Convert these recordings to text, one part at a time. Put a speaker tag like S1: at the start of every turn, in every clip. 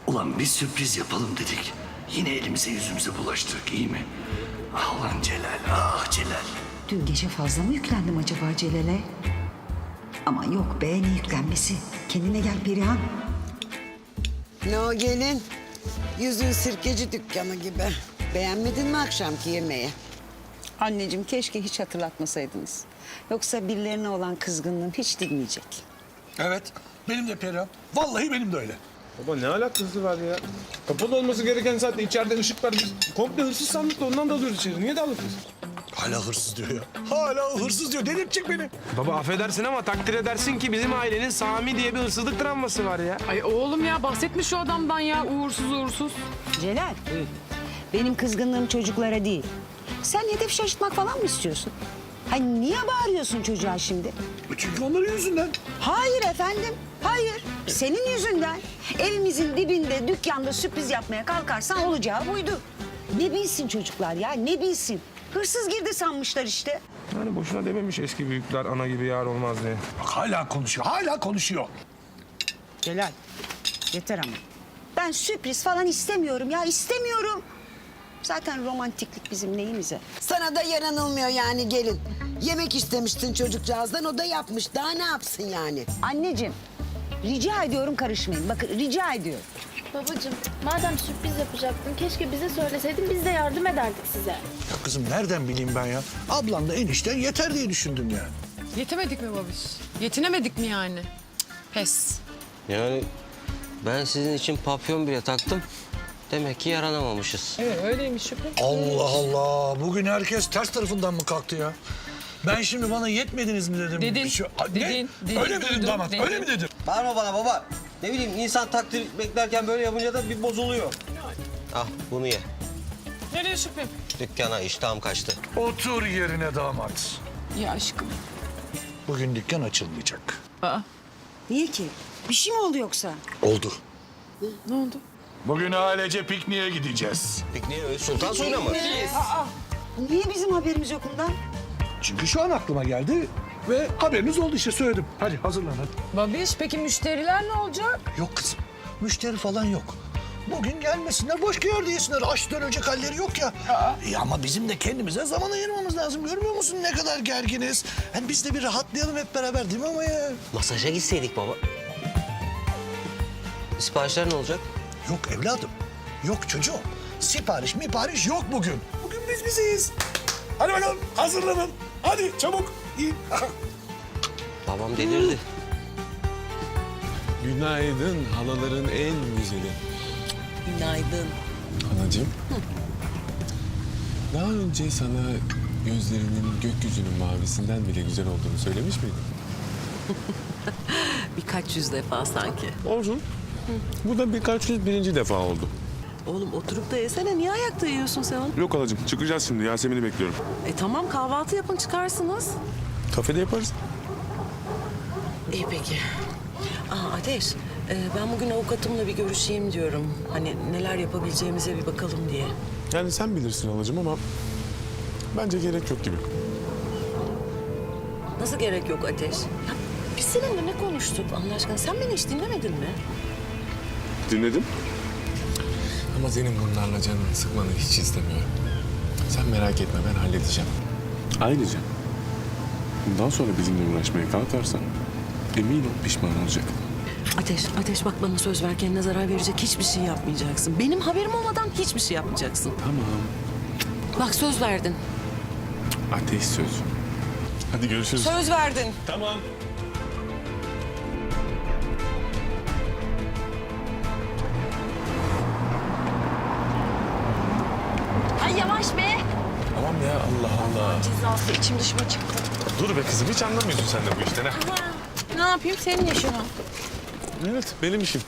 S1: Ulan bir sürpriz yapalım dedik. Yine elimize yüzümüze bulaştırdık, iyi mi? Ah lan Celal, ah Celal.
S2: Dün gece fazla mı yüklendim acaba Celal'e? Ama yok be, ne yüklenmesi? Kendine gel Perihan.
S3: Ne o gelin? Yüzün sirkeci dükkanı gibi. Beğenmedin mi akşamki yemeği?
S2: Anneciğim keşke hiç hatırlatmasaydınız. Yoksa birilerine olan kızgınlığım hiç dinmeyecek.
S4: Evet, benim de Perihan. Vallahi benim de öyle.
S5: Baba ne alakası var ya? Kapalı olması gereken saatte içeride ışık var. Biz komple hırsız sandık da ondan dalıyoruz içeri. Niye dalıyoruz?
S4: Hala hırsız diyor ya. Hala hırsız diyor. Delirtecek beni.
S5: Baba affedersin ama takdir edersin ki bizim ailenin Sami diye bir hırsızlık travması var ya.
S6: Ay oğlum ya bahsetmiş şu adamdan ya uğursuz uğursuz.
S2: Celal, benim kızgınlığım çocuklara değil. Sen hedef şaşırtmak falan mı istiyorsun? Hani niye bağırıyorsun çocuğa şimdi?
S4: Çünkü onların yüzünden.
S2: Hayır efendim, hayır. Senin yüzünden. Evimizin dibinde, dükkanda sürpriz yapmaya kalkarsan olacağı buydu. Ne bilsin çocuklar ya, ne bilsin. Hırsız girdi sanmışlar işte.
S5: Yani boşuna dememiş eski büyükler ana gibi yar olmaz diye.
S4: Bak hala konuşuyor, hala konuşuyor.
S2: Celal, yeter ama. Ben sürpriz falan istemiyorum ya, istemiyorum. Zaten romantiklik bizim neyimize?
S3: Sana da yaranılmıyor yani gelin. Yemek istemiştin çocukcağızdan, o da yapmış. Daha ne yapsın yani?
S2: Anneciğim, rica ediyorum karışmayın. Bakın rica ediyorum.
S7: Babacığım, madem sürpriz yapacaktın, keşke bize söyleseydin, biz de yardım ederdik size.
S4: Ya kızım nereden bileyim ben ya? Ablan da enişten yeter diye düşündüm yani.
S6: Yetemedik mi babiş? Yetinemedik mi yani? Cık, pes.
S8: Yani ben sizin için papyon bile taktım. Demek ki yaranamamışız.
S6: Evet öyleymiş Şükrü.
S4: Allah Allah. Bugün herkes ters tarafından mı kalktı ya? Ben şimdi bana yetmediniz mi dedim.
S6: Dedin,
S4: Bir şey- Ne?
S6: dedin,
S4: Öyle mi dedim
S6: duydum,
S4: damat?
S6: dedin.
S4: Öyle mi dedim?
S8: Bağırma bana baba. Ne bileyim insan takdir beklerken böyle yapınca da bir bozuluyor. Ah bunu ye.
S6: Nereye Şükrü?
S8: Dükkana iştahım kaçtı.
S4: Otur yerine damat.
S6: Ya aşkım.
S4: Bugün dükkan açılmayacak.
S6: Aa,
S2: Niye ki? Bir şey mi oldu yoksa?
S4: Oldu.
S6: ne oldu?
S4: Bugün ailece pikniğe gideceğiz.
S8: Pikniğe Sultan Suyu'na mı?
S2: Niye bizim haberimiz yok bundan?
S4: Çünkü şu an aklıma geldi ve haberiniz oldu işte söyledim. Hadi hazırlan hadi.
S6: Babiş peki müşteriler ne olacak?
S4: Yok kızım. Müşteri falan yok. Bugün gelmesinler, başka yerde yesinler. Aç dönecek halleri yok ya. Ama bizim de kendimize zaman ayırmamız lazım. Görmüyor musun ne kadar gerginiz? Yani biz de bir rahatlayalım hep beraber değil mi ama ya?
S8: Masaja gitseydik baba. Siparişler ne olacak?
S4: Yok evladım. Yok çocuğum. Sipariş yok bugün. Bugün biz bizeyiz. Hadi bakalım hazırlanın. Hadi çabuk. İyi.
S8: Babam delirdi.
S9: Günaydın halaların en güzeli.
S2: Günaydın.
S9: Anacığım. Daha önce sana gözlerinin gökyüzünün mavisinden bile güzel olduğunu söylemiş miydim?
S10: Birkaç yüz defa sanki.
S9: Olsun. Bu da birkaç yüz birinci defa oldu.
S10: Oğlum oturup da yesene. Niye ayakta yiyorsun sen onu?
S9: Yok halacığım çıkacağız şimdi Yasemin'i bekliyorum.
S10: Tamam kahvaltı yapın çıkarsınız.
S9: Kafede yaparız.
S10: İyi peki. Ateş, ben bugün avukatımla bir görüşeyim diyorum. Hani neler yapabileceğimize bir bakalım diye.
S9: Yani sen bilirsin halacığım ama bence gerek yok gibi.
S10: Nasıl gerek yok Ateş? Ya, biz seninle ne konuştuk Allah aşkına? Sen beni hiç dinlemedin mi?
S9: Dinledim. Ama senin bunlarla canını sıkmanı hiç istemiyorum. Sen merak etme ben halledeceğim. Ayrıca bundan sonra bizimle uğraşmaya kalkarsan emin ol pişman olacak.
S10: Ateş bak bana söz ver kendine zarar verecek hiçbir şey yapmayacaksın. Benim haberim olmadan hiçbir şey yapmayacaksın.
S9: Tamam.
S10: Bak söz verdin.
S9: Ateş söz. Hadi görüşürüz.
S10: Söz verdin.
S9: Tamam.
S7: Ay yavaş be!
S9: Tamam ya Allah Allah.
S7: Cezası içim dışıma çıktı.
S9: Dur be kızım hiç anlamıyorsun sen de bu işten ha.
S7: Ne yapayım, senin yaşın o.
S9: Evet benim işim.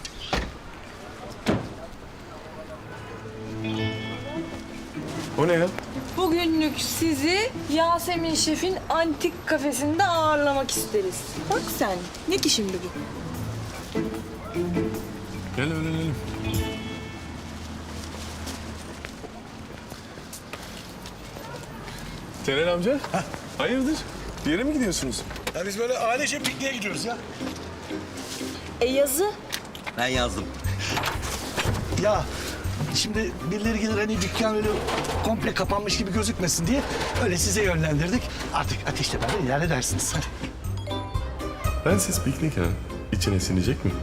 S9: O ne ya?
S6: Bugünlük sizi Yasemin Şef'in antik kafesinde ağırlamak isteriz. Bak sen. Ne ki şimdi bu?
S9: Gel öğrenelim. Celal amca. Hayırdır? Bir yere mi gidiyorsunuz?
S4: Ya biz böyle ailece pikniğe gidiyoruz ya.
S6: Yazı.
S8: Ben yazdım.
S4: Ya şimdi birileri gelir hani dükkan öyle komple kapanmış gibi gözükmesin diye öyle size yönlendirdik. Artık Ateş'le beraber ilerledersiniz. Hadi.
S9: Bensiz piknik ha. İçine sinecek mi?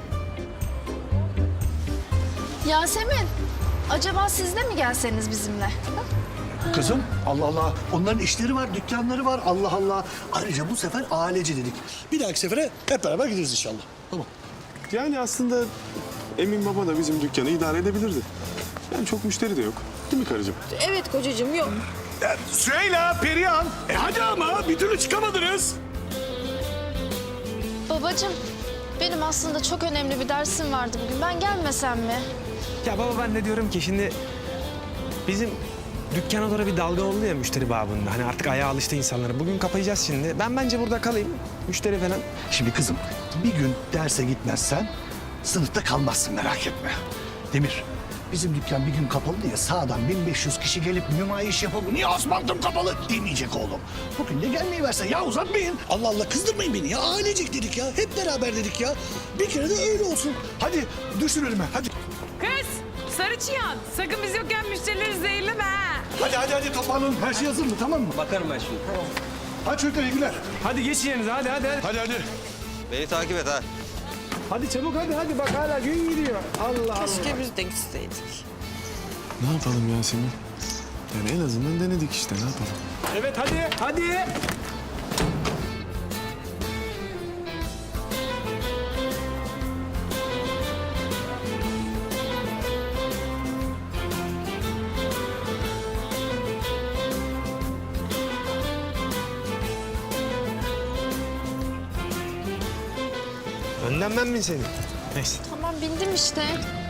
S7: Yasemin, acaba siz de mi gelseniz bizimle?
S4: Kızım Allah Allah onların işleri var, dükkanları var Allah Allah. Ayrıca bu sefer ailece dedik. Bir dahaki sefere hep beraber gideriz inşallah. Tamam.
S9: Yani aslında Emin Baba da bizim dükkanı idare edebilirdi. Yani çok müşteri de yok. Değil mi karıcığım?
S6: Evet kocacığım yok.
S4: Süheyla, Perihan. Hadi ama bir türlü çıkamadınız.
S7: Babacığım, benim aslında çok önemli bir dersim vardı bugün. Ben gelmesem mi?
S11: Ya baba ben de diyorum ki şimdi bizim dükkana doğru bir dalga oldu ya müşteri babında. Hani artık ayağa alıştı insanlara. Bugün kapayacağız şimdi. Ben bence burada kalayım. Müşteri falan.
S4: Şimdi kızım bir gün derse gitmezsen sınıfta kalmazsın merak etme. Demir bizim dükkan bir gün kapalı diye sağdan 1500 kişi gelip nümayiş yapıp niye asfaltım kapalı demeyecek oğlum. Bugün de gelmeyi versen ya uzatmayın. Allah Allah kızdırmayın beni ya ailecek dedik ya hep beraber dedik ya. Bir kere de öyle olsun. Hadi düşün önüme hadi.
S6: Kız, sarı çıyan. Sakın biz yokken müşterileri zehirleme ha.
S4: Hadi toparlanın her şey hazır mı tamam mı?
S8: Bakarım ben şimdi.
S4: Hadi çocuklar iyi günler.
S11: Hadi geç yerinize hadi.
S4: Hadi.
S8: Beni takip et ha.
S11: Hadi çabuk hadi bak hala gün gidiyor. Allah Allah.
S10: Keşke biz de gitseydik.
S9: Ne yapalım Yasemin? Yani en azından denedik işte ne yapalım?
S11: Evet hadi. Önden ben mi senin? Neyse.
S7: Tamam, bindim işte.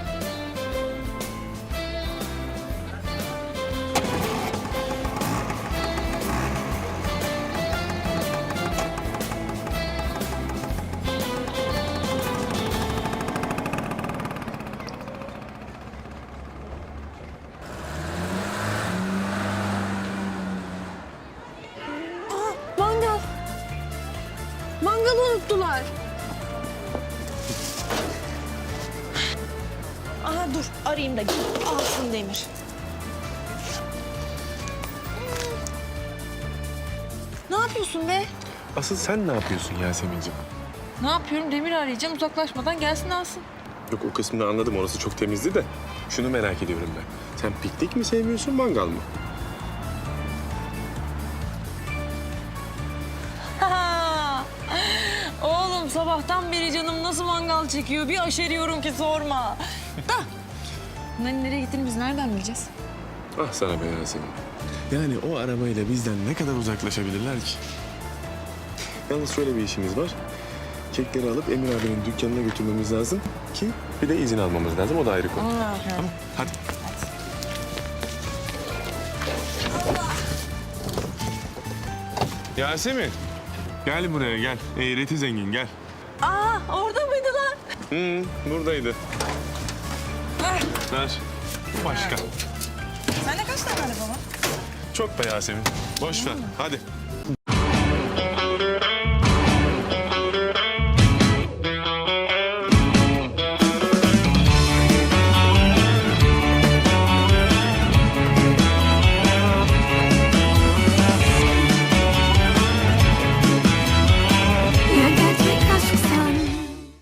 S6: Mangal. Mangalı unuttular. Aha dur arayayım da alsın Demir. Ne yapıyorsun be?
S9: Asıl sen ne yapıyorsun Yasemin'ciğim?
S6: Ne yapıyorum? Demir arayacağım uzaklaşmadan gelsin alsın.
S9: Yok o kısmını anladım orası çok temizdi de. Şunu merak ediyorum ben. Sen piknik mi sevmiyorsun mangal mı?
S6: Oğlum sabahtan beri canım nasıl mangal çekiyor bir aşeriyorum ki sorma. Da. Bunların nereye gittiğini biz nereden bileceğiz?
S9: Ah sana be Yasemin. Yani o arabayla bizden ne kadar uzaklaşabilirler ki? Yalnız şöyle bir işimiz var. Kekleri alıp Emir abinin dükkanına götürmemiz lazım ki bir de izin almamız lazım. O da ayrı konu. Tamam, hadi. Yasemin. Gel buraya gel. Eğreti zengin gel.
S6: Aa orada mıydı lan?
S9: Buradaydı.
S6: Ver.
S9: Ver. Başka.
S6: Sende kaç tane araba var?
S9: Çok be Yasemin. Boş ver. Hadi.